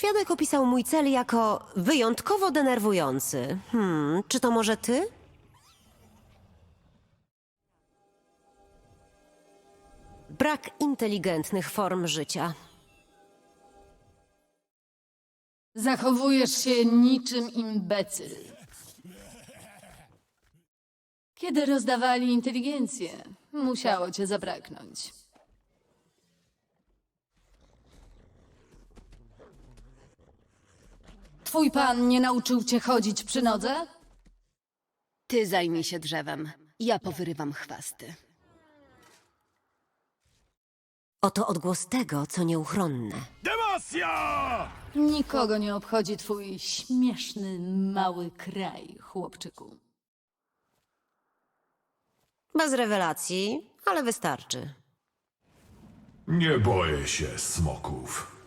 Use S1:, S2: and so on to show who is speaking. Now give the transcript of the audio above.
S1: Świadek opisał mój cel jako wyjątkowo denerwujący. Czy to może ty? Brak inteligentnych form życia.
S2: Zachowujesz się niczym imbecyl. Kiedy rozdawali inteligencję, musiało cię zabraknąć. Twój pan nie nauczył cię chodzić przy nodze?
S3: Ty zajmij się drzewem. Ja powyrywam chwasty.
S1: Oto odgłos tego, co nieuchronne.
S4: Demasja!
S2: Nikogo nie obchodzi twój śmieszny, mały kraj, chłopczyku.
S1: Bez rewelacji, ale wystarczy.
S4: Nie boję się smoków.